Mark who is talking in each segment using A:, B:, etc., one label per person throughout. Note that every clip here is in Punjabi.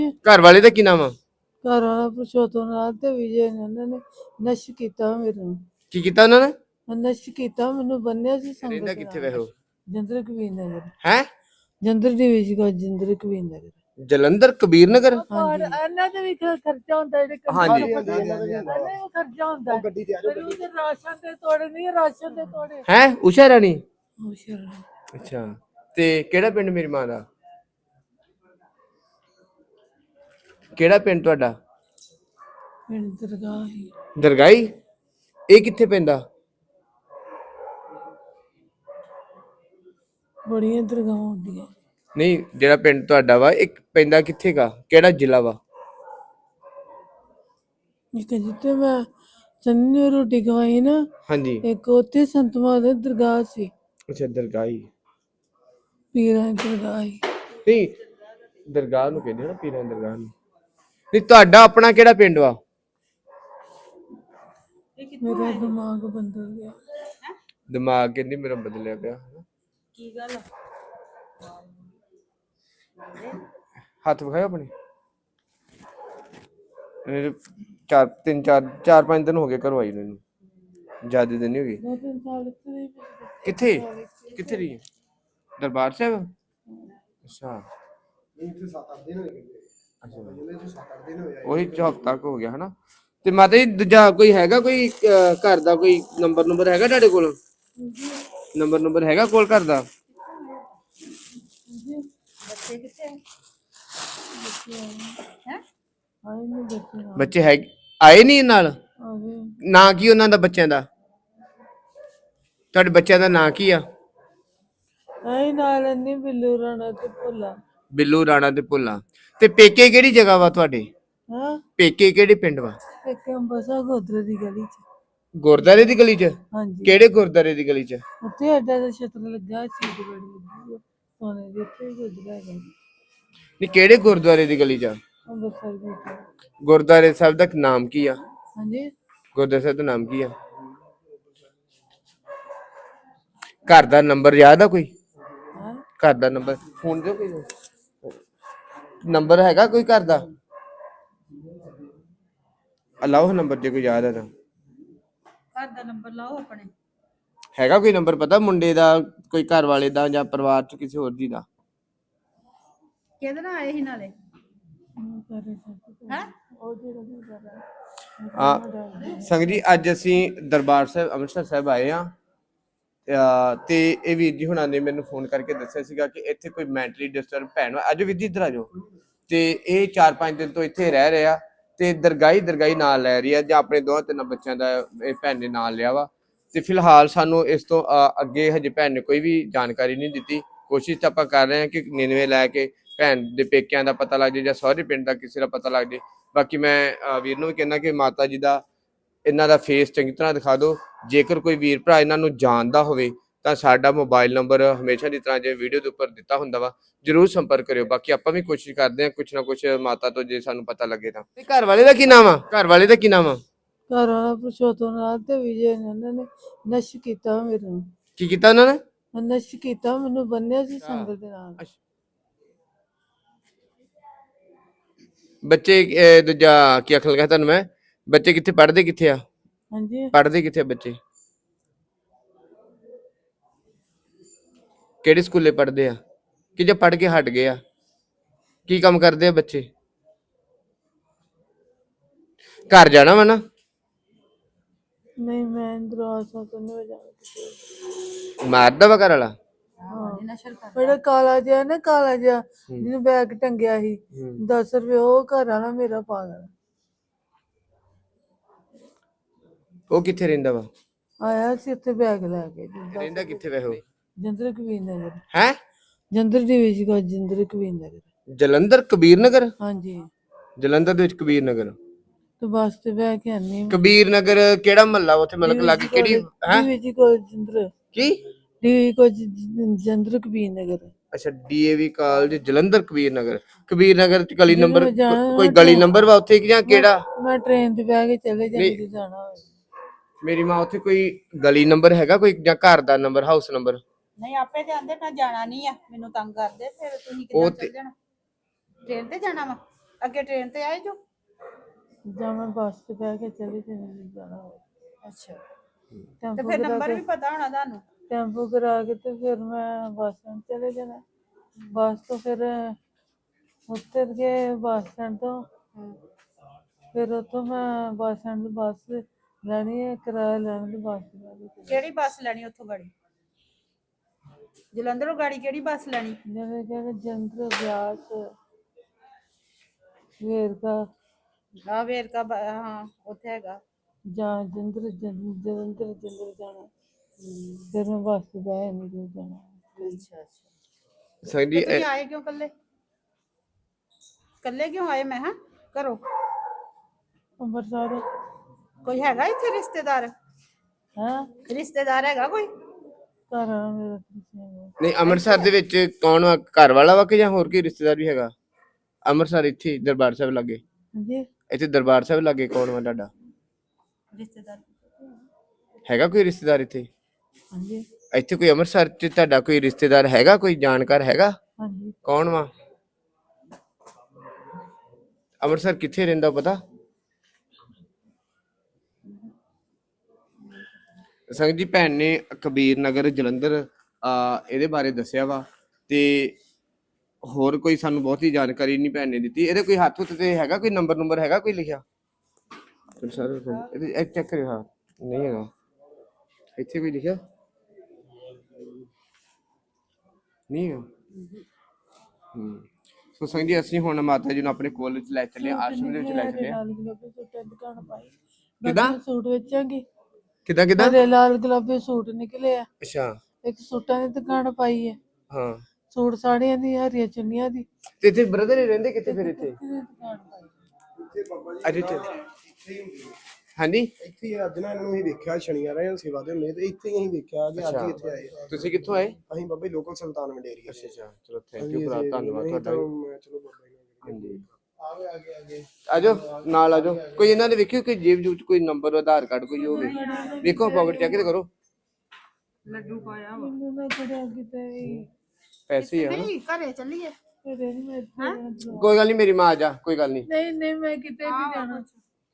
A: ਘਰ ਵਾਲੇ ਦਾ ਕੀ ਨਾਮ ਆ?
B: ਘਰ ਵਾਲਾ ਪੁਰਸ਼ੋਤਮ ਨਾਲ ਤੇ ਵਿਜੇ ਨੇ ਉਹਨਾਂ ਨੇ ਨਸ਼ਟ ਕੀਤਾ ਮੈਨੂੰ।
A: ਕੀ ਕੀਤਾ ਉਹਨਾਂ ਨੇ?
B: ਨਸ਼ਟ ਕੀਤਾ ਮੈਨੂੰ, ਬੰਨਿਆ ਸੀ ਸੰਗਤ
A: ਰਹਿੰਦਾ
B: ਦੇ
A: ਕਿੱਥੇ
B: ਨਾਲ।
A: ਵੈਸੇ ਉਹ?
B: ਜੰਦਰ ਕਬੀਰ ਨਗਰ।
A: ਹੈ
B: ਜੰਦਰ ਦੀ ਵਿੱਚ ਕੋ ਜੰਦਰ ਕਬੀਰ ਨਗਰ।
A: ਜਲੰਧਰ ਕਬੀਰ ਨਗਰ।
B: ਹਾਂਜੀ ਇਹਨਾਂ ਦੇ ਵੀ ਖਰਚਾ ਹੁੰਦਾ, ਜਿਹੜੇ
A: ਹਾਂਜੀ
B: ਖਰਚਾ ਹੁੰਦਾ। ਗੱਡੀ ਤੇ ਰਾਸ਼ਨ ਦੇ ਤੋੜੇ ਨਹੀਂ, ਰਾਸ਼ਨ ਦੇ ਤੋੜੇ।
A: ਹੈ ਉਸ਼ਾ ਰਾਣੀ।
B: ਅੱਛਾ
A: ਅੱਛਾ, ਤੇ ਕਿਹੜਾ ਪਿੰਡ ਮੇਰੀ ਮਾਂ ਦਾ? ਕਿਹੜਾ ਪਿੰਡ ਤੁਹਾਡਾ?
B: ਪਿੰਡ ਦਰਗਾਹ ਹੀ।
A: ਦਰਗਾਈ। ਇਹ ਕਿੱਥੇ ਪੈਂਦਾ?
B: ਬੜੀਆਂ ਦਰਗਾਹਾਂ ਹੁੰਦੀਆਂ।
A: ਨਹੀਂ, ਜਿਹੜਾ ਪਿੰਡ ਤੁਹਾਡਾ ਵਾ ਇੱਕ ਪੈਂਦਾ ਕਿੱਥੇ ਗਾ? ਕਿਹੜਾ ਜ਼ਿਲ੍ਹਾ ਵਾ?
B: ਇੱਕ ਜਿੱਥੇ ਮੈਂ ਚੰਨੀ ਨੂੰ ਰੋਟੀ ਖਵਾਈ ਨਾ,
A: ਹਾਂਜੀ।
B: ਇੱਕ ਉੱਥੇ ਸੰਤ ਮਹਾदेव ਦਰਗਾਹ ਸੀ।
A: ਅੱਛਾ, ਦਰਗਾਹੀ।
B: ਪੀਰਾਂ ਦੀ ਦਰਗਾਹ ਸੀ।
A: ਨਹੀਂ, ਦਰਗਾਹ ਨੂੰ ਕਹਿੰਦੇ ਨਾ, ਪੀਰਾਂ ਦੀ ਦਰਗਾਹ ਨੂੰ। ਨਹੀਂ, ਤੁਹਾਡਾ ਆਪਣਾ ਕਿਹੜਾ ਪਿੰਡ ਵਾ?
B: ਮੇਰਾ ਦਿਮਾਗ ਬਦਲ ਗਿਆ।
A: ਦਿਮਾਗ ਕਹਿੰਦੀ ਮੇਰਾ ਬਦਲਿਆ ਪਿਆ।
C: ਕੀ ਗੱਲ?
A: ਹੱਥ ਵਿਖਾਓ ਆਪਣੇ। ਚਾਰ ਪੰਜ ਦਿਨ ਹੋ ਗਏ ਘਰੋਂ ਆਈ ਨੂੰ। ਜ਼ਿਆਦਾ ਦਿਨ ਨਹੀਂ ਹੋ ਗਏ।
B: 2-3 ਸਾਲ ਇੱਥੇ
A: ਕਿੱਥੇ ਕਿੱਥੇ ਰਹੀ? ਦਰਬਾਰ ਸਾਹਿਬ। ਅੱਛਾ,
D: ਇੱਥੇ 7-8 ਦਿਨ ਹੋਏ।
A: ਉਹੀ ਹਫ਼ਤਾ ਹੋ ਗਿਆ ਹਨਾ। ਤੇ ਮਾਤਾ ਜੀ ਦੂਜਾ ਕੋਈ ਹੈਗਾ, ਕੋਈ ਘਰ ਦਾ ਕੋਈ ਨੰਬਰ ਹੈਗਾ ਤੁਹਾਡੇ ਕੋਲ? ਨੰਬਰ ਹੈਗਾ ਕੋਲ ਘਰ ਦਾ?
C: ਬੱਚੇ ਕਿੱਥੇ ਹੈ?
B: ਆਏ ਨਹੀਂ ਬੱਚੇ ਨਾਲ।
A: ਬੱਚੇ ਹੈ ਆਏ ਨਹੀਂ ਨਾਲ?
B: ਆਵੇ
A: ਨਾਂ ਕੀ ਉਹਨਾਂ ਦਾ ਬੱਚਿਆਂ ਦਾ? ਤੁਹਾਡੇ ਬੱਚਿਆਂ ਦਾ ਨਾਂ ਕੀ ਆ?
B: ਆਏ ਨਾਲ ਨਹੀਂ, ਬਿੱਲੂ ਰਾਣਾ ਤੇ ਭੋਲਾ।
A: ਬਿੱਲੂ ਰਾਣਾ ਤੇ ਭੁੱਲਾ। ਤੇ ਪੇਕੇ ਕਿਹੜੀ ਜਗ੍ਹਾ ਵਾ ਤੁਹਾਡੇ?
B: ਹਾਂ,
A: ਪੇਕੇ ਕਿਹੜੇ ਪਿੰਡ ਵਾ?
B: ਇੱਕ ਅੰਬਰਸਰ ਗੋਦਰੇ ਦੀ ਗਲੀ ਚ।
A: ਗੁਰਦਾਰੇ ਦੀ ਗਲੀ ਚ?
B: ਹਾਂਜੀ,
A: ਕਿਹੜੇ ਗੁਰਦਾਰੇ ਦੀ ਗਲੀ ਚ?
B: ਉੱਥੇ ਐਡਾ ਦਾ ਛਤਰ ਲੱਗਾ, ਸੀਟ ਬੜੀ ਲੱਗੀ ਸੋਨੇ ਦੀ, ਉੱਥੇ ਹੀ ਗੁਜਰਾ ਹੈਗਾ।
A: ਨਹੀਂ, ਕਿਹੜੇ ਗੁਰਦੁਆਰੇ ਦੀ ਗਲੀ ਚ?
B: ਅੰਬਰਸਰ ਦੀ।
A: ਗੁਰਦੁਆਰੇ ਸਾਹਿਬ ਦਾ ਨਾਮ ਕੀ ਆ?
B: ਹਾਂਜੀ,
A: ਗੁਰਦੁਆਰੇ ਸਾਹਿਬ ਦਾ ਨਾਮ ਕੀ ਆ? ਘਰ ਦਾ ਨੰਬਰ ਯਾਦ ਆ ਕੋਈ?
B: ਹਾਂ
A: ਘਰ ਦਾ ਨੰਬਰ ਫੋਨ ਦਿਓ, ਕੋਈ ਨੰਬਰ ਹੈਗਾ ਕੋਈ ਘਰ ਦਾ? ਅਲਾਓ ਨੰਬਰ ਜੇ ਕੋਈ ਯਾਦ ਹੈ ਤਾਂ।
C: ਘਰ ਦਾ ਨੰਬਰ ਲਾਓ ਆਪਣੇ।
A: ਹੈਗਾ ਕੋਈ ਨੰਬਰ ਪਤਾ ਮੁੰਡੇ ਦਾ, ਕੋਈ ਘਰ ਵਾਲੇ ਦਾ ਜਾਂ ਪਰਿਵਾਰ ਚ ਕਿਸੇ ਹੋਰ ਦੀ ਦਾ?
C: ਕਿਹਦੇ ਨਾਲ ਆਏ ਸੀ ਨਾਲੇ? ਹੈ
B: ਉਹ ਜਿਹੜਾ ਵੀ ਕਰ
A: ਸੰਗਤ ਜੀ, ਅੱਜ ਅਸੀਂ ਦਰਬਾਰ ਸਾਹਿਬ ਅੰਮ੍ਰਿਤਸਰ ਸਾਹਿਬ ਆਏ ਆ। ਤੇ ਇਹ ਵੀਰ ਜੀ ਹੁਣਾਂ ਨੇ ਮੈਨੂੰ ਫੋਨ ਕਰਕੇ ਦੱਸਿਆ ਸੀਗਾ ਕਿ ਇੱਥੇ ਕੋਈ ਮੈਂਟਲੀ ਡਿਸਟਰਬ ਭੈਣ ਵਾ। ਅੱਜ ਵੀਰ ਜੀ ਇੱਧਰ ਆ ਜਾਓ। ਤੇ ਇਹ 4-5 ਦਿਨ ਤੋਂ ਇੱਥੇ ਰਹਿ ਰਹੇ ਆ ਤੇ ਦਰਗਾਹੀ ਨਾਲ ਲੈ ਰਹੀ ਆ, ਜਾਂ ਆਪਣੇ 2-3 ਬੱਚਿਆਂ ਦਾ ਇਹ ਭੈਣ ਨੇ ਨਾਲ ਲਿਆ ਵਾ। ਤੇ ਫਿਲਹਾਲ ਸਾਨੂੰ ਇਸ ਤੋਂ ਅੱਗੇ ਹਜੇ ਭੈਣ ਨੇ ਕੋਈ ਵੀ ਜਾਣਕਾਰੀ ਨਹੀਂ ਦਿੱਤੀ। ਕੋਸ਼ਿਸ਼ ਤਾਂ ਆਪਾਂ ਕਰ ਰਹੇ ਹਾਂ ਕਿ 99 ਲੈ ਕੇ ਭੈਣ ਦੇ ਪੇਕਿਆਂ ਦਾ ਪਤਾ ਲੱਗ ਜਾਏ ਜਾਂ ਸਹੁਰੇ ਪਿੰਡ ਦਾ ਕਿਸੇ ਦਾ ਪਤਾ ਲੱਗ ਜਾਏ। ਬਾਕੀ ਮੈਂ ਵੀਰ ਨੂੰ ਵੀ ਕਹਿੰਦਾ ਕਿ ਮਾਤਾ ਜੀ ਦਾ ਇਹਨਾਂ ਦਾ ਫੇਸ ਚੰਗੀ ਤਰ੍ਹਾਂ ਦਿਖਾ ਦਿਓ। ਜੇਕਰ ਕੋਈ ਵੀਰ ਭਰਾ ਇਹਨਾਂ ਨੂੰ ਜਾਣਦਾ ਹੋਵੇ ਤਾਂ ਸਾਡਾ ਮੋਬਾਈਲ ਨੰਬਰ ਹਮੇਸ਼ਾ ਦੀ ਤਰ੍ਹਾਂ ਜੇ ਵੀਡੀਓ ਦੇ ਉੱਪਰ ਦਿੱਤਾ ਹੁੰਦਾ ਵਾ, ਜਰੂਰ ਸੰਪਰਕ ਕਰਿਓ। ਬਾਕੀ ਆਪਾਂ ਵੀ ਕੋਸ਼ਿਸ਼ ਕਰਦੇ ਹਾਂ ਕੁਛ ਨਾ ਕੁਛ ਮਾਤਾ ਤੋਂ ਜੇ ਸਾਨੂੰ ਪਤਾ ਲੱਗੇ ਤਾਂ। ਘਰ ਵਾਲੇ ਦਾ ਕੀ ਨਾਮ ਆ? ਘਰ ਵਾਲੇ ਦਾ ਕੀ ਨਾਮ ਆ?
B: ਘਰ ਵਾਲਾ ਪੁਰਸ਼ੋਤਮ ਨਾਲ ਤੇ ਵਿਜੇ ਨੇ ਉਹਨਾਂ ਨੇ ਨਸ਼ਟ ਕੀਤਾ ਮੈਨੂੰ।
A: ਕੀ ਕੀਤਾ ਉਹਨਾਂ ਨੇ?
B: ਨਸ਼ਟ ਕੀਤਾ ਮੈਨੂੰ, ਬੰਨਿਆ ਸੀ ਸੰਗਤ ਦੇ ਨਾਲ।
A: ਬੱਚੇ ਦੂਜਾ ਕੀ ਆਖਣ ਲੱਗਾ ਤੁਹਾਨੂੰ ਮੈਂ, ਬੱਚੇ ਕਿੱਥੇ ਪੜ੍ਹਦੇ ਕਿੱਥੇ ਆ?
B: ਹਾਂਜੀ,
A: ਪੜ੍ਹਦੇ ਕਿੱਥੇ ਬੱਚੇ? ਕਿਹੜੇ ਸਕੂਲੇ ਪੜ੍ਹਦੇ ਆ ਕਿ ਜੇ ਪੜ੍ਹ ਕੇ ਹਟ ਗਏ ਆ? ਕੀ ਕੰਮ ਕਰਦੇ ਆ ਬੱਚੇ? ਘਰ ਜਾਣਾ ਵਾ ਨਾ?
B: ਨਹੀਂ ਮੈਂ ਦਰਵਾਜ਼ਾ ਤੋਂ ਨਹੀਂ ਜਾਣਾ।
A: ਮਾਰਦਾ ਵਾ ਘਰ ਵਾਲਾ?
C: ਨਸ਼ਰ ਕਰ
B: ਬੜਾ ਕਾਲਾ ਜਿਹਾ ਨਾ, ਕਾਲਾ ਜਿਹਾ ਜਿਹਨੂੰ ਬੈਗ ਟੰਗਿਆ ਸੀ 10 ਰੁਪਏ, ਉਹ ਘਰ ਵਾਲਾ ਮੇਰਾ ਪਾਗਲ
A: ਉਹ ਕਿੱਥੇ ਰਹਿੰਦਾ ਵਾ?
B: ਆਇਆ ਸੀ ਉੱਥੇ ਬੈਗ ਲੈ ਕੇ।
A: ਰਹਿੰਦਾ ਕਿੱਥੇ ਵੈਸੇ ਉਹ?
B: ਜੰਦਰ ਕਬੀਰ ਨਗਰ।
A: ਹੈ
B: ਜੰਦਰ ਦੀ ਵਿੱਚ ਕੋ ਜੰਦਰ ਕਬੀਰ ਨਗਰ।
A: ਜਲੰਧਰ ਕਬੀਰ ਨਗਰ?
B: ਹਾਂਜੀ,
A: ਜਲੰਧਰ ਦੇ ਵਿੱਚ ਕਬੀਰ ਨਗਰ।
B: ਤੇ ਬੱਸ ਤੇ ਬਹਿ ਕੇ ਆਨੀ
A: ਕਬੀਰ ਨਗਰ ਕਿਹੜਾ ਮਹੱਲਾ ਉੱਥੇ? ਮਤਲਬ ਲਾਗੇ ਕਿਹੜੀ ਹੈ?
B: ਵਿੱਚ ਕੋ ਜੰਦਰ
A: ਕੀ
B: ਦੀ ਕੋ ਜੰਦਰ ਕਬੀਰ ਨਗਰ।
A: ਅੱਛਾ, ਡੀਏਵੀ ਕਾਲਜ ਜਲੰਧਰ ਕਬੀਰ ਨਗਰ। ਕਬੀਰ ਨਗਰ ਚ ਗਲੀ ਨੰਬਰ,
B: ਜਦੋਂ ਜਾਣਾ
A: ਕੋਈ ਗਲੀ ਨੰਬਰ ਵਾ ਉੱਥੇ ਕਿ ਜਾਂ ਕਿਹੜਾ?
B: ਮੈਂ ਟ੍ਰੇਨ ਤੇ ਬਹਿ ਕੇ ਚਲੇ ਜਾਂਦੀ ਜਾਣਾ ਹੋਵੇ।
A: ਮੇਰੀ ਮਾਂ ਉੱਥੇ ਕੋਈ ਗਲੀ ਨੰਬਰ ਹੈਗਾ ਕੋਈ, ਜਾਂ ਘਰ ਦਾ ਨੰਬਰ, ਹਾਊਸ ਨੰਬਰ?
C: ਨਹੀਂ, ਆਪੇ ਜਾਂਦੇ, ਮੈਂ ਜਾਣਾ ਨਹੀਂ ਆ, ਮੈਨੂੰ ਤੰਗ ਕਰਦੇ। ਫਿਰ ਤੁਸੀਂ ਕਿੱਦਾਂ ਚੱਲ ਜਾਣਾ? ਟ੍ਰੇਨ ਤੇ ਜਾਣਾ ਵਾ? ਅੱਗੇ ਟ੍ਰੇਨ ਤੇ ਆਏ ਜੋ?
B: ਜਾਂ ਮੈਂ ਬੱਸ ਤੇ ਬਹਿ ਕੇ ਚਲੀ ਜਾਣਾ ਹੋਵੇ।
C: ਅੱਛਾ, ਤੇ
B: ਟੈਂਪੂ
C: ਫਿਰ
B: ਕਰਾ
C: ਨੰਬਰ
B: ਕੇ
C: ਵੀ ਪਤਾ ਹੋਣਾ ਤੁਹਾਨੂੰ?
B: ਟੈਂਪੂ ਕਰਾ ਕੇ ਤੇ ਫਿਰ ਮੈਂ ਬੱਸ ਸਟੈਂਡ ਚਲੇ ਜਾਣਾ। ਬੱਸ ਤੋਂ ਫਿਰ ਉਤਰ ਕੇ ਬੱਸ ਸਟੈਂਡ ਤੋਂ ਫਿਰ ਉੱਥੋਂ ਮੈਂ ਬੱਸ ਸਟੈਂਡ ਤੋਂ ਬੱਸ ਲੈਣੀ ਹੈ, ਕਿਰਾਇਆ ਲੈਣ ਦੀ ਬੱਸ ਲੈਣੀ।
C: ਕਿਹੜੀ ਬੱਸ ਲੈਣੀ ਉੱਥੋਂ ਗਾੜੀ? ਜਲੰਧਰੋਂ ਗਾੜੀ ਕਿਹੜੀ ਬੱਸ ਲੈਣੀ?
B: ਜਿਵੇਂ ਕਿ ਜੰਦਰ ਬਿਆਸ ਵੇਰਕਾ
C: ਆ ਵੇਰਕਾ ਹਾਂ ਉੱਥੇ ਹੈਗਾ।
B: ਜਾਂ ਜਲੰਧਰ ਜਾਣਾ। ਫਿਰ ਮੈਂ ਬੱਸ ਤੇ ਬਹਿ ਨਹੀਂ ਜਾਣਾ।
C: ਅੱਛਾ ਅੱਛਾ।
A: ਸੰਗਤ
C: ਤੇ
A: ਜੀ
C: ਤੁਸੀਂ ਆਏ ਕਿਉਂ ਕੱਲੇ? ਕੱਲੇ ਕਿਉਂ ਆਏ ਮੈਂ ਹਾਂ ਘਰੋਂ?
B: ਅੰਮ੍ਰਿਤਸਰ
C: ਕੋਈ ਹੈਗਾ ਇੱਥੇ ਰਿਸ਼ਤੇਦਾਰ?
B: ਹਾਂ
C: ਰਿਸ਼ਤੇਦਾਰ ਹੈਗਾ ਕੋਈ?
B: ਘਰ ਆ ਮੇਰਾ ਕਿਸੇ
A: ਨਹੀਂ ਅੰਮ੍ਰਿਤਸਰ ਦੇ ਵਿੱਚ ਕੌਣ ਵਾ? ਘਰ ਵਾਲਾ ਵਾ ਕਿ ਜਾਂ ਹੋਰ ਕੀ ਰਿਸ਼ਤੇਦਾਰ ਵੀ ਹੈਗਾ ਅੰਮ੍ਰਿਤਸਰ? ਇੱਥੇ ਦਰਬਾਰ ਸਾਹਿਬ ਲਾਗੇ,
B: ਹਾਂਜੀ
A: ਇੱਥੇ ਦਰਬਾਰ ਸਾਹਿਬ ਲਾਗੇ ਕੌਣ ਵਾ ਤੁਹਾਡਾ?
C: ਰਿਸ਼ਤੇਦਾਰ
A: ਹੈਗਾ ਕੋਈ ਰਿਸ਼ਤੇਦਾਰ ਇੱਥੇ?
B: ਹਾਂਜੀ
A: ਇੱਥੇ ਕੋਈ ਅੰਮ੍ਰਿਤਸਰ ਚ ਤੁਹਾਡਾ ਕੋਈ ਰਿਸ਼ਤੇਦਾਰ ਹੈਗਾ, ਕੋਈ ਜਾਣਕਾਰ ਹੈਗਾ?
B: ਹਾਂਜੀ
A: ਕੌਣ ਵਾ? ਅੰਮ੍ਰਿਤਸਰ ਕਿੱਥੇ ਰਹਿੰਦਾ ਪਤਾ? ਸੰਗਤ ਜੀ ਭੈਣ ਨੇ ਕਬੀਰ ਨਗਰ ਜਲੰਧਰ ਇਹਦੇ ਬਾਰੇ ਦੱਸਿਆ ਵਾ, ਤੇ ਹੋਰ ਕੋਈ ਸਾਨੂੰ ਬਹੁਤੀ ਜਾਣਕਾਰੀ ਨਹੀਂ ਭੈਣ ਨੇ ਦਿੱਤੀ। ਇਹਦੇ ਕੋਈ ਹੱਥ ਹੁੱਥ ਤੇ ਹੈਗਾ ਕੋਈ ਨੰਬਰ ਹੈਗਾ ਕੋਈ ਲਿਖਿਆ? ਸਰ ਇਹ ਚੈੱਕ ਕਰਿਓ। ਹਾਂ ਨਹੀਂ ਹੈਗਾ ਇੱਥੇ ਕੋਈ ਲਿਖਿਆ ਨਹੀਂ ਹੈਗਾ। ਸੋ ਸੰਗਤ ਜੀ ਅਸੀਂ ਹੁਣ ਮਾਤਾ ਜੀ ਨੂੰ ਆਪਣੇ ਕੋਲ ਵਿੱਚ ਲੈ ਚੱਲੇ, ਆਸ਼ਰਮ ਦੇ ਵਿੱਚ ਲੈ ਚੱਲੇ।
B: ਲਾਲ ਗੁਲਾਬੀ ਸੂਟਾਂ ਦੀ ਦੁਕਾਨ ਪਾਈ।
A: ਕਿੱਦਾਂ?
B: ਮੈਂ ਸੂਟ ਵੇਚਾਂਗੀ।
A: ਕਿੱਦਾਂ
B: ਮੇਰੇ ਲਾਲ ਗੁਲਾਬੀ ਸੂਟ ਨਿਕਲੇ ਆ।
A: ਅੱਛਾ
B: ਇੱਕ ਸੂਟਾਂ ਦੀ ਦੁਕਾਨ ਪਾਈ ਹੈ।
A: ਹਾਂ,
B: ਸੂਟ ਸਾੜੀਆਂ ਦੀ, ਹਰੀਆਂ ਚੁੰਨੀਆਂ ਦੀ
A: ਤੇ ਇੱਥੇ ਬ੍ਰਦਰ ਹੀ ਰਹਿੰਦੇ ਕਿੱਥੇ ਫਿਰ ਇੱਥੇ?
B: ਦੁਕਾਨ ਪਾਈ।
D: ਇੱਥੇ ਬਾਬਾ ਜੀ
A: ਅੱਜ ਇੱਥੇ
D: ਇੱਥੇ ਹੀ ਹੁੰਦੀ ਹੈ।
A: ਹਾਂਜੀ
D: ਇੱਥੇ ਹੀ ਅੱਜ ਨਾ ਇਹਨਾਂ ਨੂੰ ਅਸੀਂ ਵੇਖਿਆ ਸ਼ਨੀਵਾਰ ਰਹੇ ਸੇਵਾ ਦੇ ਹੁੰਦੇ ਤੇ ਇੱਥੇ ਹੀ ਅਸੀਂ ਵੇਖਿਆ ਕਿ ਅੱਜ ਹੀ ਇੱਥੇ ਆਏ।
A: ਤੁਸੀਂ ਕਿੱਥੋਂ ਆਏ?
D: ਅਸੀਂ ਬਾਬਾ ਜੀ ਲੋਕਲ ਸੁਲਤਾਨ ਮੰਡੇਰੀ।
A: ਅੱਛਾ ਚਲੋ ਥੈਂਕ ਯੂ ਭਰਾ, ਧੰਨਵਾਦ ਤੁਹਾਡਾ।
D: ਚਲੋ ਬਾਬਾ ਜੀ
A: ਹਾਂਜੀ
D: ਆਗੇ
A: ਆਜੋ ਨਾਲ ਆਜੋ। ਕੋਈ ਇਹਨਾਂ ਦੇ ਵੇਖਿਓ ਕੋਈ ਜੇਬ ਜੂਬ ਚ ਕੋਈ ਨੰਬਰ ਆਧਾਰ ਕਾਰਡ ਕੋਈ ਹੋਵੇ, ਵੇਖੋ ਪॉकेट ਚੈੱਕ ਤੇ ਕਰੋ।
C: ਲੱਡੂ ਪਾਇਆ ਵਾ।
B: ਮੈਨੂੰ ਨਾ ਖੜਿਆ ਕਿਤੇ ਵੀ।
A: ਪੈਸੇ ਆ
C: ਨਹੀਂ ਘਰੇ ਚੱਲੀਏ।
B: ਫਿਰ ਨਹੀਂ ਮੈਂ ਇੱਥੇ ਰਹਿਣਾ।
A: ਕੋਈ ਗੱਲ ਨਹੀਂ, ਮੇਰੀ ਮਾਂ ਆ ਜਾ, ਕੋਈ ਗੱਲ ਨਹੀਂ।
B: ਨਹੀਂ ਮੈਂ ਕਿਤੇ ਵੀ ਜਾਣਾ।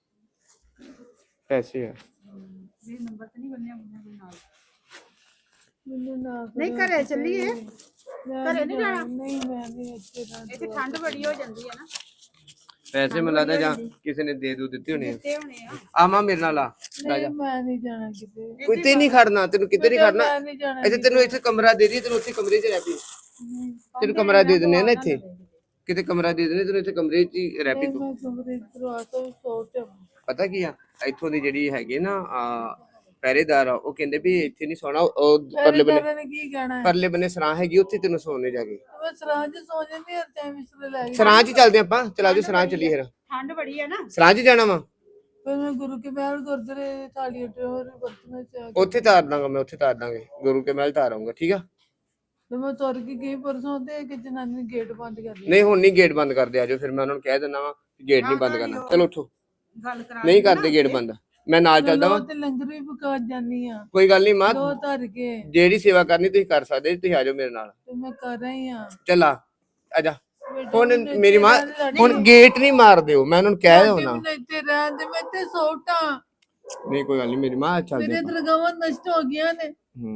A: ਪੈਸੇ ਆ
C: ਇਹ ਨੰਬਰ ਤੇ ਨਹੀਂ ਬੰਨਿਆ ਹੋਣਾ ਕੋਈ ਨਾਲ।
B: ਮੈਨੂੰ ਨਾ
C: ਨਹੀਂ ਘਰੇ ਚੱਲੀਏ।
B: ਘਰੇ ਨਹੀਂ ਜਾਣਾ। ਨਹੀਂ ਮੈਂ ਨਹੀਂ ਇੱਥੇ ਰਹਿਣਾ।
C: ਇੱਥੇ ਠੰਡ ਬੜੀ ਹੋ ਜਾਂਦੀ ਹੈ ਨਾ।
A: ਪੈਸੇ ਮੈਨੂੰ ਲੱਗਦਾ ਜਾਂ ਕਿਸੇ ਨੇ ਦੇ ਦੂ ਦਿੱਤੇ ਹੋਣੇ
C: ਦਿੱਤੇ ਹੋਣੇ ਆ।
A: ਆ ਮਾਂ ਮੇਰੇ ਨਾਲ ਆ
B: ਨਹੀਂ ਮੈਂ ਨਹੀਂ ਜਾਣਾ ਕਿਤੇ।
A: ਕੋਈ ਤੇ ਨਹੀਂ ਖੜਨਾ, ਤੈਨੂੰ ਕਿਤੇ ਨਹੀਂ ਖੜਨਾ।
B: ਮੈਂ ਨਹੀਂ ਜਾਣਾ।
A: ਇੱਥੇ ਤੈਨੂੰ ਇੱਥੇ ਕਮਰਾ ਦੇ ਦੀ, ਤੈਨੂੰ ਉੱਥੇ ਕਮਰੇ 'ਚ ਰਹਿ ਪਈ। ਤੈਨੂੰ ਕਮਰਾ ਦੇ ਦਿੰਦੇ ਆ ਨਾ ਇੱਥੇ, ਕਿਤੇ ਕਮਰਾ ਦੇ ਦਿੰਦੇ ਤੈਨੂੰ, ਇੱਥੇ ਕਮਰੇ 'ਚ ਹੀ ਰਹਿ ਪਈ ਤੂੰ।
B: ਮੈਂ ਕਮਰੇ ਦਰਵਾਜ਼ਾ ਤੋਂ ਸੋਚ।
A: ਪਤਾ ਕੀ ਆ, ਇੱਥੋਂ ਦੀ ਜਿਹੜੀ ਹੈਗੇ ਨਾ ਪਹਿਰੇਦਾਰ ਆ, ਉਹ ਕਹਿੰਦੇ ਵੀ ਇੱਥੇ ਨਹੀਂ ਸੌਣਾ, ਉਹ ਪਰਲੇ ਬੰਨੇ
B: ਨੇ ਕੀ ਕਹਿਣਾ?
A: ਪਰਲੇ ਬੰਨੇ ਸਰਾਂ ਹੈਗੀ, ਉੱਥੇ ਤੈਨੂੰ ਸੌਣੇ ਜਾ ਕੇ।
B: ਮੈਂ ਸਰਾਂ 'ਚ ਸੌ ਜਾਂਦੀ ਹਰ ਟਾਈਮ ਇਸ ਲਈ ਲੈ ਗਈ।
A: ਸਰਾਂ 'ਚ ਹੀ ਚੱਲਦੇ ਆਪਾਂ, ਚਲਾ ਜਾਓ ਸਰਾਂ 'ਚ ਚੱਲੀਏ ਫਿਰ।
C: ਠੰਡ ਬੜੀ ਹੈ ਨਾ।
A: ਸਰਾਂ 'ਚ ਜਾਣਾ ਵਾ,
B: ਫਿਰ ਮੈਂ ਗੁਰੂ ਕੇ ਮਹਿਲ ਗੁਰਦੁਆਰੇ ਥਾਲੀ ਟੋਰ ਵਰਤਣਾ ਚਾਹ
A: ਉੱਥੇ ਤਾਰ ਦਾਂਗਾ ਮੈਂ, ਉੱਥੇ ਤਾਰ ਦਾਂਗੇ, ਗੁਰੂ ਕੇ ਮਹਿਲ ਤਾਰ ਆਊਂਗਾ, ਠੀਕ ਆ।
B: ਤੇ ਮੈਂ ਤੁਰ ਕੇ ਗਈ ਪਰਸੋਂ ਤੇ ਇੱਕ ਜਨਾਨੀ ਨੇ ਗੇਟ ਬੰਦ ਕਰ ਲਿਆ।
A: ਨਹੀਂ ਹੁਣ ਨਹੀਂ ਗੇਟ ਬੰਦ ਕਰਦੇ, ਆਜੋ ਫਿਰ ਮੈਂ ਉਹਨਾਂ ਨੂੰ ਕਹਿ ਦਿੰਦਾ ਵਾ ਗੇਟ ਨਹੀਂ ਬੰਦ ਕਰਨਾ। ਚਲੋ ਉੱਠੋ,
C: ਗੱਲ ਕਰਾ
A: ਨਹੀਂ ਕਰਦੇ ਗੇਟ ਬੰਦ, ਮੈਂ ਨਾਲ ਚੱਲਦਾ ਵਾਂ।
B: ਤੇ ਲੰਗਰ ਵੀ ਪਕਾ ਜਾਨੀ ਆ।
A: ਕੋਈ ਗੱਲ ਨਹੀਂ ਮਾਂ,
B: ਦੋ ਧਰ ਕੇ
A: ਜਿਹੜੀ ਸੇਵਾ ਕਰਨੀ ਤੁਸੀਂ ਕਰ ਸਕਦੇ, ਤੁਸੀਂ ਆਜੋ ਮੇਰੇ ਨਾਲ।
B: ਤੇ ਮੈਂ ਕਰ ਰਹੀ ਆ।
A: ਚੱਲ ਆਜਾ। ਹੁਣ ਮੇਰੀ ਮਾਂ, ਹੁਣ ਗੇਟ ਨਹੀਂ ਮਾਰ ਦਿਓ, ਮੈਂ ਉਹਨਾਂ ਨੂੰ ਕਹਿ ਦਿਓ ਨਾ।
B: ਇੱਥੇ ਰਹਿਣ ਦੇ, ਮੈਂ ਇੱਥੇ ਸੌਟਾਂ।
A: ਨਹੀਂ ਕੋਈ ਗੱਲ ਨਹੀਂ ਮੇਰੀ ਮਾਂ, ਚੱਲਦੇ
B: ਮੇਰੇ ਦਰਗਾਹਾਂ ਨਸ਼ਟ ਹੋ ਗਈਆਂ ਨੇ।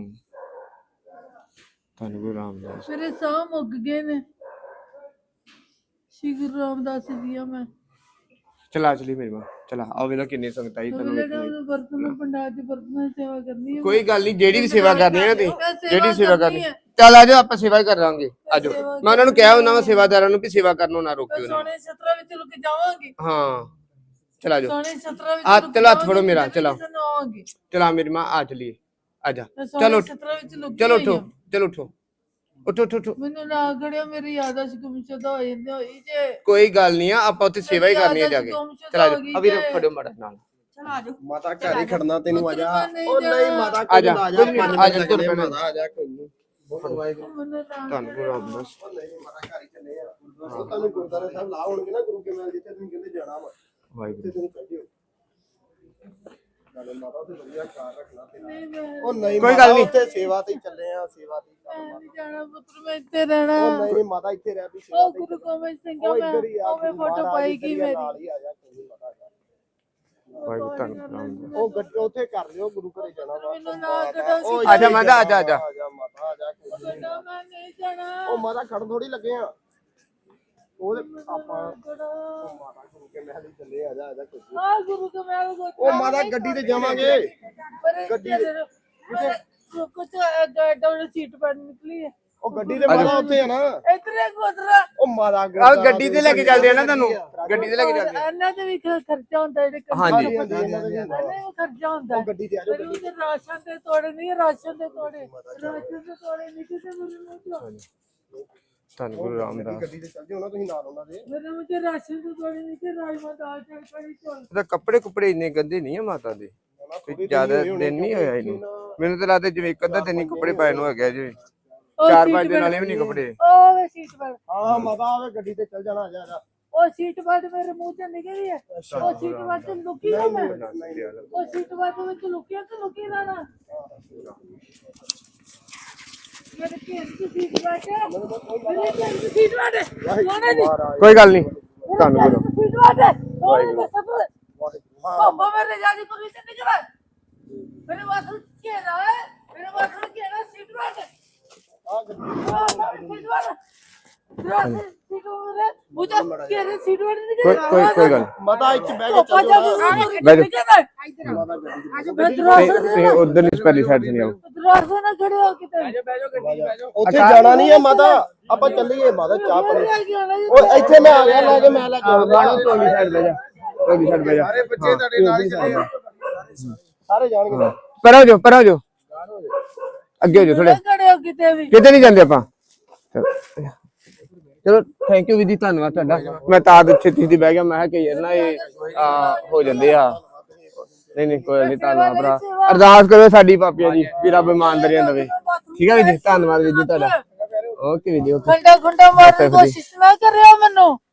A: ਧੰਨ ਗੁਰੂ ਰਾਮਦਾਸ।
B: ਮੇਰੇ ਸਾਹ ਮੁੱਕ ਗਏ ਨੇ। ਸ਼੍ਰੀ ਗੁਰੂ ਰਾਮਦਾਸ ਜੀ ਆ ਮੈਂ।
A: ਚਲਾ ਚਲੀ ਮੇਰੀ ਮਾਂ, ਚਲਾ ਆਓ ਵੇਲਾ ਕਿੰਨੀ ਸੰਗਤ ਆਈ ਤੁਹਾਨੂੰ ਵੇਖਣ।
B: ਬਰਤਨ ਪੰਡਾਲ ਚ ਬਰਤਨਾਂ ਦੀ ਸੇਵਾ ਕਰਨੀ ਹੈ।
A: ਕੋਈ ਗੱਲ ਨਹੀਂ, ਜਿਹੜੀ ਵੀ ਸੇਵਾ ਕਰਨੀ ਹੈ ਨਾ ਤੁਸੀਂ, ਜਿਹੜੀ ਸੇਵਾ ਕਰਨੀ, ਚੱਲ ਆਜੋ ਆਪਾਂ ਸੇਵਾ ਹੀ ਕਰ ਲਾਂਗੇ, ਆਜੋ। ਮੈਂ ਉਹਨਾਂ ਨੂੰ ਕਿਹਾ ਉਹਨਾਂ ਵਾ ਸੇਵਾਦਾਰਾਂ ਨੂੰ ਵੀ ਸੇਵਾ ਕਰਨੋਂ ਨਾ ਰੋਕਿਓ।
B: ਸੋਨੇ ਛਤਰਾ ਵਿੱਚ ਲੁਕ ਜਾਵਾਂਗੇ।
A: ਹਾਂ ਚਲ ਆਜੋ।
B: ਸੋਨੇ ਛਤਰਾ ਵਿੱਚ
A: ਆ ਚਲੋ ਹੱਥ ਫੜੋ ਮੇਰਾ, ਚਲਾ
B: ਆਵਾਂਗੇ।
A: ਚਲਾ ਮੇਰੀ ਮਾਂ, ਆ ਚਲੀਏ, ਆਜਾ।
B: ਚਲੋ ਛਤਰਾ ਵਿੱਚ ਲੁਕ
A: ਚਲੋ ਉੱਠੋ, ਚਲੋ ਉੱਠੋ, ਉੱਠੋ ਉੱਠੋ ਉੱਠੋ।
B: ਮੈਨੂੰ ਨਾ ਖੜਿਆ, ਮੇਰੀ ਯਾਦਾਸ਼ਤ ਗੁੰਮਸ਼ੁਦਾ ਹੋ ਜਾਂਦੀ ਹੋਈ ਜੇ।
A: ਕੋਈ ਗੱਲ ਨਹੀਂ ਆ, ਆਪਾਂ ਉੱਥੇ ਸੇਵਾ ਹੀ ਕਰਨੀ ਹੈ ਜਾ ਕੇ। ਚਲ ਆਜੋ, ਅਭੀ ਫੜਿਓ ਮਾੜਾ ਨਾਲ।
C: ਚਲੋ ਆਜੋ।
D: ਮਾਤਾ ਘਰ ਹੀ ਖੜਨਾ ਤੈਨੂੰ ਆ ਜਾ।
B: ਉਹ
D: ਨਹੀਂ ਮਾਤਾ
A: ਆ ਜਾ,
D: ਆ ਜਾ,
A: ਆ ਜਾ ਤੁਰ ਪੈਣਾ।
D: ਮਾਤਾ ਆ ਜਾ, ਕੋਈ ਨਹੀਂ। ਬਹੁਤ ਵਾਹਿਗੁਰੂ।
B: ਮੈਨੂੰ ਤਾਂ
A: ਧੰਨ ਗੁਰੂ ਰਾਮਦਾਸ।
D: ਨਹੀਂ ਮਾਤਾ ਘਰ ਹੀ ਚੱਲੇ ਆ। ਉਹ ਤੁਹਾਨੂੰ ਗੁਰਦੁਆਰਾ ਸਾਹਿਬ ਲਾ ਹੋਣਗੇ ਨਾ ਗੁਰੂ ਕੇ ਮਹਿਲ, ਜਿੱਥੇ ਤੁਸੀਂ ਕਹਿੰਦੇ ਜਾਣਾ ਵਾ,
A: ਵਾਹਿਗੁਰੂ।
D: ਤੇ ਤੁਸੀਂ ਕੱਢਿਓ। ਨਾਲੇ ਮਾਤਾ ਤੇ ਵਧੀਆ ਖਿਆਲ ਰੱਖਣਾ ਤੇਰਾ।
B: ਨਹੀਂ ਮੈਂ
D: ਉਹ ਨਹੀਂ
A: ਕੋਈ
D: ਮਾਤਾ,
A: ਗੱਲ ਨੀ।
D: ਉੱਥੇ ਸੇਵਾ ਤੇ ਹੀ ਚੱਲੇ ਆ, ਸੇਵਾ ਤੇ ਹੀ ਚੱਲ
B: ਨਹੀਂ
D: ਮਾਤਾ।
B: ਜਾਣਾ ਪੁੱਤਰ, ਮੈਂ ਇੱਥੇ ਰਹਿਣਾ।
D: ਉਹ ਨਹੀਂ ਮਾਤਾ ਇੱਥੇ ਰਹਿ ਵੀ ਸੇਵਾ
B: ਉਹ
D: ਤੇ ਹੀ
B: ਗੁਰੂ
D: ਚੱਲ।
B: ਗੋਬਿੰਦ ਸਿੰਘ
D: ਉਹ
B: ਮੈਂ
D: ਇੱਧਰ ਹੀ ਆ,
B: ਉਹ ਮੈਂ
D: ਗੁਰੂ
B: ਫੋਟੋ
D: ਮਹਾਰਾਜ
B: ਪਾਏਗੀ
D: ਇੱਧਰ ਹੀ ਆ,
B: ਮੇਰੀ।
D: ਨਾਲ ਹੀ ਆ ਜਾ, ਕੋਈ ਨੀ ਮਾਤਾ ਜਾ।
A: ਵਾਹਿਗੁਰੂ ਧੰਨ
D: ਉਹ ਗੱਡੀ ਉੱਥੇ ਕਰ ਲਿਓ, ਗੁਰੂ ਘਰੇ ਜਾਣਾ ਵਾ।
B: ਮੈਨੂੰ ਨਾ ਕੱਢੋ ਸੀ।
D: ਉਹ
A: ਆਜਾ ਮਾਤਾ, ਆਜਾ ਆਜਾ।
D: ਆ ਜਾ ਮਾਤਾ, ਆ ਜਾ, ਕੋਈ ਨੀ।
B: ਕੱਢੋ, ਮੈਂ ਨਹੀਂ ਜਾਣਾ।
D: ਉਹ ਮਾਤਾ ਖੜ ਥੋੜੀ ਲੱਗੇ ਆ, ਉਹਦੇ ਆਪਾਂ
B: ਕੱਢੋ।
D: ਉਹ ਮਾਤਾ ਗੁਰੂ ਕੇ ਮਹਿਲ ਹੀ ਚੱਲੇ, ਆ ਜਾ ਆ ਜਾ ਕੋਈ ਨੀ।
B: ਆ ਗੁਰੂ ਕੇ ਮਹਿਲ ਕੋ
D: ਉਹ ਮਾਤਾ ਗੱਡੀ ਤੇ ਜਾਵਾਂਗੇ। ਗੱਡੀ
B: ਕੁਝ ਡਬਲ ਸੀਟ ਪਰ ਨਿਕਲੀ ਹੈ।
D: ਉਹ ਗੱਡੀ ਤੇ ਮਾਤਾ ਉੱਥੇ ਆ ਨਾ।
B: ਇਤਨੇ ਗੋਦਰਾ
D: ਉਹ ਮਾਤਾ
A: ਆਹ ਗੱਡੀ ਤੇ ਲੈ ਕੇ ਚੱਲਦੇ ਆ ਨਾ ਤੁਹਾਨੂੰ, ਗੱਡੀ ਤੇ ਲੈ ਕੇ ਚੱਲਦੇ ਆ।
B: ਇਹਨਾਂ ਦੇ ਵੀ ਖਰਚਾ ਹੁੰਦਾ ਜਿਹੜੇ
A: ਹਾਂਜੀ।
B: ਇਹਨਾਂ ਦੇ ਵੀ ਖਰਚਾ ਹੁੰਦਾ
D: ਉਹ ਗੱਡੀ ਤੇ ਆ ਜਾਓ,
B: ਮੈਨੂੰ ਤੇ ਰਾਸ਼ਨ ਦੇ ਤੋੜੇ ਨਹੀਂ, ਰਾਸ਼ਨ ਦੇ ਤੋੜੇ, ਰਾਸ਼ਨ ਦੇ ਤੋੜੇ ਨਹੀਂ ਕਿਸੇ ਮੈਨੂੰ
A: ਧੰਨ ਗੁਰੂ ਰਾਮਦਾਸ।
D: ਗੱਡੀ ਤੇ ਚੱਲ ਜਿਓ ਨਾ ਤੁਸੀਂ ਨਾਲ ਉਹਨਾਂ ਦੇ।
B: ਮੇਰੇ ਮੁਝੇ ਰਾਸ਼ਨ ਦੇ ਤੋੜੇ ਨਹੀਂ ਕਿ ਰਾਜਮਾ ਦਾਲ ਚਾਵਲ ਕੜੀ ਚੌਲ।
A: ਉਹਦਾ ਕੱਪੜੇ ਕੁਪੜੇ ਇੰਨੇ ਗੰਦੇ ਨਹੀਂ ਆ ਮਾਤਾ ਦੇ, ਕੋਈ ਜ਼ਿਆਦਾ ਦਿਨ ਨਹੀਂ ਹੋਇਆ ਇਹਨੂੰ। ਮੈਨੂੰ ਤਾਂ ਲੱਗਦਾ ਜਿਵੇਂ ਇੱਕ ਅੱਧਾ ਦਿਨ ਹੀ ਕੱਪੜੇ ਪਾਏ ਨੂੰ ਹੋ ਗਿਆ ਜਿਵੇਂ 4-5 ਦਿਨ ਵਾਲੇ ਵੀ ਨਹੀਂ ਕੱਪੜੇ।
B: ਉਹ ਸੀਟ ਪਰ,
D: ਹਾਂ ਮਾਤਾ ਆਵੇ ਗੱਡੀ ਤੇ ਚੱਲ ਜਾਣਾ, ਆ ਜਾ ਆ ਜਾ।
B: ਉਹ ਸੀਟ ਪਰ ਮੇਰੇ ਮੂੰਹ ਚ ਨਿਕਲੀ ਹੈ। ਉਹ ਸੀਟ ਪਰ ਤੇ ਲੁਕੀ ਨਾ ਮੈਂ, ਉਹ ਸੀਟ ਪਰ ਵਿੱਚ ਲੁਕਿਆ ਕਿ ਲੁਕੀ ਨਾ ਨਾ ਮੇਰੇ ਘੇਰ ਦੀ ਸੀਟ ਪਰ, ਮੇਰੇ ਘੇਰ ਦੀ ਸੀਟ ਪਰ ਸੋਨੇ ਦੀ
A: ਕੋਈ ਗੱਲ ਨਹੀਂ, ਧੰਨ ਗੁਰੂ।
B: ਸੀਟ ਪਰ ਸੋਨੇ ਦੀ ਸਭ ਪਾਪਾ ਮੇਰੇ ਜਾਨੀ ਕੋਈ ਤੇ ਨਿਕਲਾ ਮੇਰੇ ਵਾਸੂ ਘੇਰਾ ਹੈ, ਮੇਰੇ ਵਾਸੂ ਘੇਰਾ ਸੀਟ ਪਰ
D: ਆ ਗੱਡੀ
A: ਕੋਈ ਗੱਲ
D: ਮਾਤਾ ਇੱਥੇ ਬਹਿ ਕੇ ਚੱਲ
A: ਬੈਠੋ।
B: ਉੱਥੇ
A: ਤੁਸੀਂ ਉਧਰ ਨਹੀਂ ਸਪੈਲੀ ਸਾਈਡ ਤੇ ਨਹੀਂ ਆਓ।
D: ਜਾਣਾ ਨਹੀਂ ਹੈ ਮਾਤਾ, ਆਪਾਂ ਚੱਲੀਏ ਮਾਤਾ, ਚਾਹ ਪਾਣੀ। ਉਹ ਇੱਥੇ ਮੈਂ ਆ ਗਿਆ, ਲੈ ਕੇ ਮੈਂ ਲੈ ਕੇ ਆਉਣਾ।
A: ਟੋਲੀ ਸਾਈਡ ਬਹਿ ਜਾ, ਟੋਲੀ ਸਾਈਡ ਬਹਿ ਜਾ।
D: ਸਾਰੇ ਬੱਚੇ ਤੁਹਾਡੇ ਨਾਲ ਹੀ ਚੱਲੇ ਆ, ਸਾਰੇ ਜਾਣਗੇ।
A: ਪਰ ਹੋ ਜਾਓ, ਪਰ ਹੋ ਜਾਓ, ਅੱਗੇ ਹੋ ਜਾਓ ਥੋੜੇ। ਕਿਤੇ ਨਹੀਂ ਜਾਂਦੇ ਆਪਾਂ। ਚਲੋ ਥੈਂਕ ਯੂ ਵਿਧੀ, ਧੰਨਵਾਦ ਤੁਹਾਡਾ। ਮੈਂ ਤਾਂ ਛੇਤੀ ਦੀ ਬਹਿ ਗਿਆ, ਮੈਂ ਕਿਹਾ ਕਿ ਯਾਰ ਨਾ ਇਹ ਹੋ ਜਾਂਦੇ ਆ। ਨਹੀਂ ਕੋਈ ਨਹੀਂ, ਧੰਨਵਾਦ ਭਰਾ। ਅਰਦਾਸ ਕਰੋ ਸਾਡੀ ਪਾਪੀਆਂ ਜੀ ਵੀ ਰੱਬ ਇਮਾਨਦਾਰੀਆਂ ਦੇਵੇ। ਠੀਕ ਹੈ ਜੀ, ਧੰਨਵਾਦ ਜੀ ਤੁਹਾਡਾ। Okay video.
B: ਖੰਡਾ ਖੁੰਡਾ ਮਾਰਨ ਦੀ ਕੋਸ਼ਿਸ਼ ਨਾ ਕਰਿਓ ਮੈਨੂੰ।